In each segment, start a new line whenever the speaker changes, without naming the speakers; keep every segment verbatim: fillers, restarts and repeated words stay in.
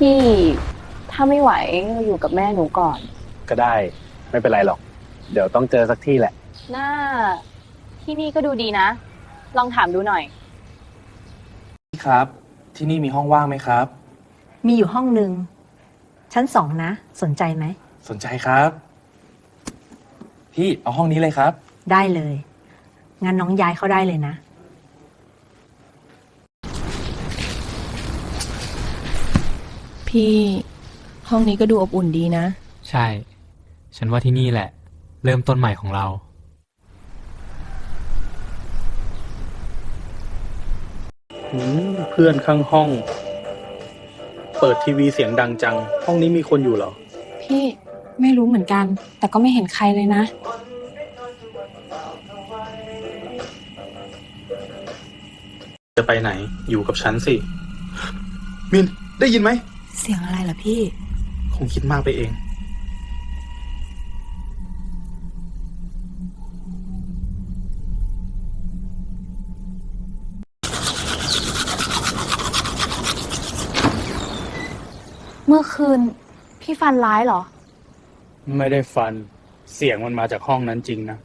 พี่ถ้าไม่ไหวก็อยู่กับแม่หนูก่อน
ก็ได้ไม่เป็นไรหรอก เดี๋ยวต้องเจอสักที่แหละ
หน้าที่นี่ก็ดูดีนะ ลองถามดูหน่อย
ครับ ที่นี่มีห้องว่างไหมครับ
มีอยู่ห้องหนึ่งชั้นสองนะ สนใจไหม
สนใจครับ พี่เอาห้องนี้เลยครับ
ได้เลย งั้นน้องย้ายเข้าได้เลยนะ
พี่ห้องนี้ก็ดูอบอุ่นดีนะ
ใช่ ฉันว่าที่นี่แหละ เริ่มต้นใหม่ของเรา
เพื่อนข้างห้อง เปิดทีวีเสียงดังจัง ห้องนี้มีคนอยู่เหรอ
พี่ไม่รู้เหมือนกัน แต่ก็ไม่เห็นใครเลยนะ
จะไปไหนอยู่กับฉันสิ มินได้ยินไหม
เสียงอะไรล่ะพี่
คงคิดมากไปเอง
เมื่อคืนพี่ฟันร้ายเหรอ
ไม่ได้ฟันเสียงมันมาจากห้องนั้นจริงนะ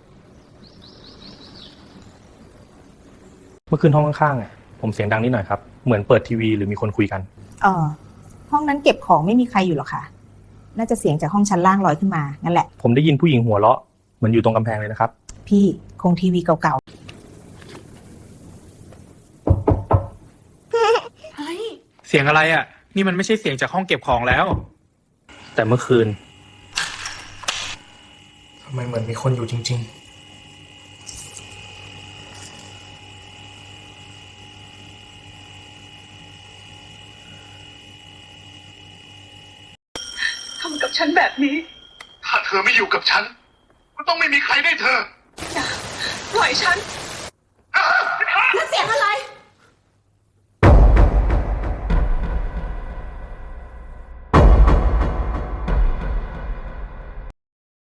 เมื่อคืนห้องข้างๆอ่ะผมเสียงดังนิดหน่อยครับ เหมือนเปิดทีวีหรือมีคนคุยกัน
เออห้องนั้นเก็บของไม่มีใครอยู่หรอกค่ะ น่าจะเสียงจากห้องชั้นล่างลอยขึ้นมานั่นแหละ
ผมได้ยินผู้หญิงหัวเราะเหมือนอยู่ตรงกำแพงเลยนะครับ
พี่คงทีวีเก่า
เสียงอะไรอ่ะ นี่มันไม่ใช่เสียงจากห้องเก็บของแล้ว
แต่เมื่อคืน
ทำไมเหมือนมีคนอยู่จริง
ทำกับฉันแบบนี้ ถ้าเธอไม่อยู่กับฉัน ก็ต้องไม่มีใครได้เธอ อย่าปล่อยฉัน